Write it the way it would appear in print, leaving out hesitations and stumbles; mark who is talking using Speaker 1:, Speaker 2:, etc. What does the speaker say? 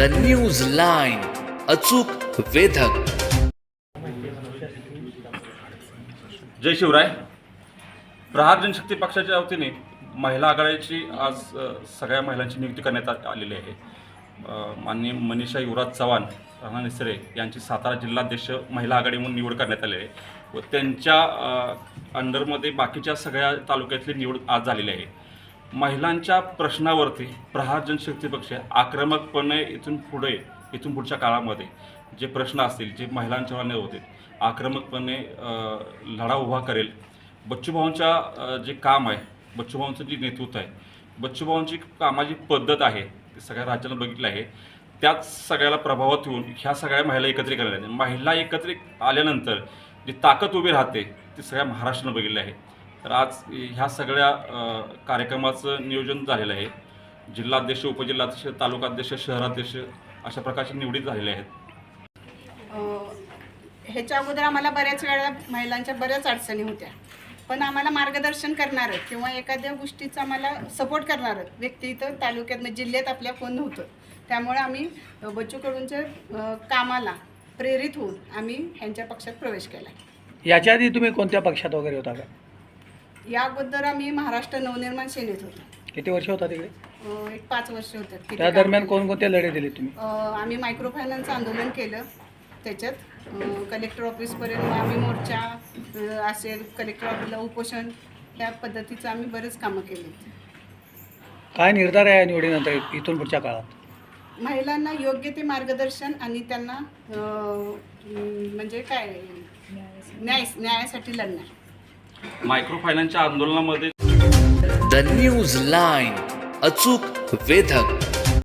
Speaker 1: News line, अचूक वेधक.
Speaker 2: जय शिवराय. प्रहार जनशक्ती पक्षाच्या वतीने महिला आघाडीची आज सगळ्या महिलांची नियुक्ती करण्यात आलेली आहे. माननीय मनीषा युवराज चव्हाण, राणा निसरे यांची सातारा जिल्हाध्यक्ष महिला आघाडी म्हणून निवड करण्यात आली आहे व त्यांच्या अंडरमध्ये बाकीच्या सगळ्या तालुक्यातली निवड आज झालेली आहे. महिलांच्या प्रश्नावरती प्रहार जनशक्ती पक्ष आक्रमकपणे इथून पुढच्या काळामध्ये जे प्रश्न असतील, जे महिलांच्या मान्य होते, आक्रमकपणे लढा उभा करेल. बच्चूभाऊंच्या जे काम आहे, बच्चूभाऊंचं जे नेतृत्व आहे, बच्चूभाऊंची कामाची पद्धत आहे, ते सगळ्या राज्यानं बघितलं आहे. त्याच सगळ्याला प्रभावात येऊन ह्या सगळ्या महिला एकत्रित करण्यात, महिला एकत्रित आल्यानंतर जी ताकद उभी राहते ती सगळ्या महाराष्ट्रानं बघितलं आहे. तर आज ह्या सगळ्या कार्यक्रमाचं नियोजन झालेलं आहे. जिल्हाध्यक्ष, उपजिल्हाध्यक्ष, तालुकाध्यक्ष, शहराध्यक्ष अशा प्रकारचे निवडीत झालेले आहेत.
Speaker 3: ह्याच्या अगोदर आम्हाला बऱ्याच वेळा महिलांच्या बऱ्याच अडचणी होत्या, पण आम्हाला मार्गदर्शन करणारं किंवा एखाद्या गोष्टीचं आम्हाला सपोर्ट करणारं व्यक्ती इथं तालुक्यात म्हणजे जिल्ह्यात आपल्या कोण नव्हतं. त्यामुळे आम्ही बच्चूकडूनच्या कामाला प्रेरित होऊन आम्ही ह्यांच्या पक्षात प्रवेश केला.
Speaker 4: याच्या आधी तुम्ही कोणत्या पक्षात वगैरे होता का?
Speaker 3: या अगोदर आम्ही महाराष्ट्र नवनिर्माण सेनेत होतो.
Speaker 4: किती वर्ष होता तिकडे?
Speaker 3: एक 5 वर्ष होतात.
Speaker 4: त्या दरम्यान कोणकोणते लढे दिले तुम्ही?
Speaker 3: आम्ही मायक्रो फायनान्स आंदोलन केलं, त्याच्यात कलेक्टर ऑफिसपर्यंत आम्ही मोर्चा असेल, कलेक्टर ऑफिसला उपोषण, त्या पद्धतीचं आम्ही बरेच कामं केली.
Speaker 4: काय निर्धार आहे या निवडीनंतर इथून पुढच्या काळात?
Speaker 3: महिलांना योग्य ते मार्गदर्शन आणि त्यांना म्हणजे काय न्यायासाठी लढणार.
Speaker 2: मायक्रो फायनान्सच्या आंदोलनामध्ये
Speaker 1: न्यूज लाईन, अचूक वेधक.